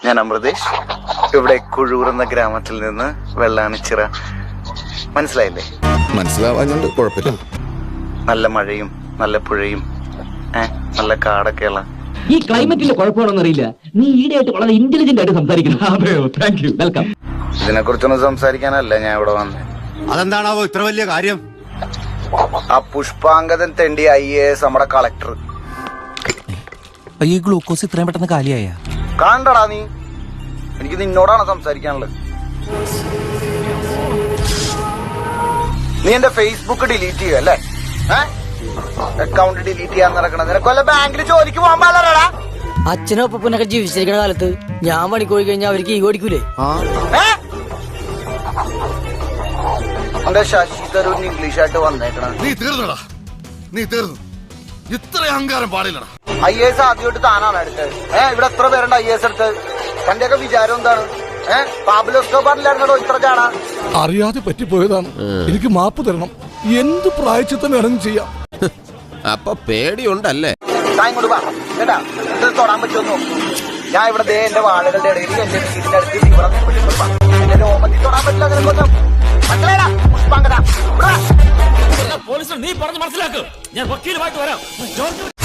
ഞാൻ അമൃതേഷ്. ഇവിടെ കുഴൂർ എന്ന ഗ്രാമത്തിൽ നിന്ന് വെള്ളാണിച്ചിറ. മനസ്സിലായില്ലേ? മനസ്സിലാവാഞ്ഞോണ്ട് കുഴപ്പമില്ല. നല്ല മഴയും നല്ല പുഴയും നല്ല കാടൊക്കെയുള്ള ഈ ക്ലൈമറ്റിന്റെ കുഴപ്പമാണെന്ന് അറിയില്ല. നീ ഈടെയായിട്ട് വളരെ ഇന്റലിജന്റ് ആയിട്ട് സംസാരിക്കുന്നു. അതെയോ, താങ്ക് യു, വെൽക്കം. ഇതിനെ കുറിച്ചൊന്നും സംസാരിക്കാനല്ല ഞാൻ ഇവിടെ വന്നത്. അതെന്താണാവോ ഇത്ര വലിയ കാര്യം? ആ പുഷ്പാങ്കദൻ തെണ്ടി IAS നമ്മുടെ കളക്ടർ. ഈ ഗ്ലൂക്കോസ് ഇത്രയും പെട്ടെന്ന് കാലിയായ കാണണ്ടടാ നീ. എനിക്ക് നിന്നോടാണ് സംസാരിക്കാനുള്ളത്. നീ എന്റെ ഫേസ്ബുക്ക് ഡിലീറ്റ് ചെയ്യുക അല്ലേ? അക്കൗണ്ട് ഡിലീറ്റ് ചെയ്യാൻ നടക്കണം. നിനക്കൊല്ല ബാങ്കിൽ ജോലിക്ക് പോകാൻ പാടില്ലടാ. അച്ഛനും അപ്പനൊക്കെ ജീവിച്ചിരിക്കുന്ന കാലത്ത് ഞാൻ പണിക്ക് പോയി കഴിഞ്ഞാൽ അവർക്ക് ഈ ഓടിക്കൂലേ? എന്റെ ശശി തരൂർ ഇംഗ്ലീഷായിട്ട് വന്നേക്കണം. നീ തീർന്നടാ, നീ തീർന്നു. ഇത്ര അഹങ്കാരം പാടില്ലടാ. IAS ആദ്യമായിട്ട് താനാണ് എടുത്തത്. ഇവിടെ എത്ര പേരുണ്ട് IAS എടുത്തത്? തന്റെയൊക്കെ വിചാരം എന്താണ്? പാബ്ലോസ്കോബാറിലായിരുന്നോ ഇത്ര ചാടാ? അറിയാതെ പറ്റിപ്പോയതാണ്. എനിക്ക് മാപ്പ് തരണം. എന്ത് പ്രായച്ചിത്തം വേണമെങ്കിലും ചെയ്യാം. അപ്പൊ പേടിയുണ്ടല്ലേ? കേട്ടാ, ഇത് തൊടാൻ പറ്റുമോ? ഞാൻ ഇവിടെ എന്റെ വാഴകളുടെ ഇടയിൽ എന്റെ വീടിന്റെ അടുത്ത് എന്റെ രോമത്തിൽ തൊടാൻ പറ്റില്ല. നിനക്കൊന്നും മനസ്സിലായടാ? പുഷ്പാങ്കദ പോലീസിനെ നീ പറഞ്ഞ് മനസ്സിലാക്കും. ഞാൻ വക്കീലുമായിട്ട് വരാം.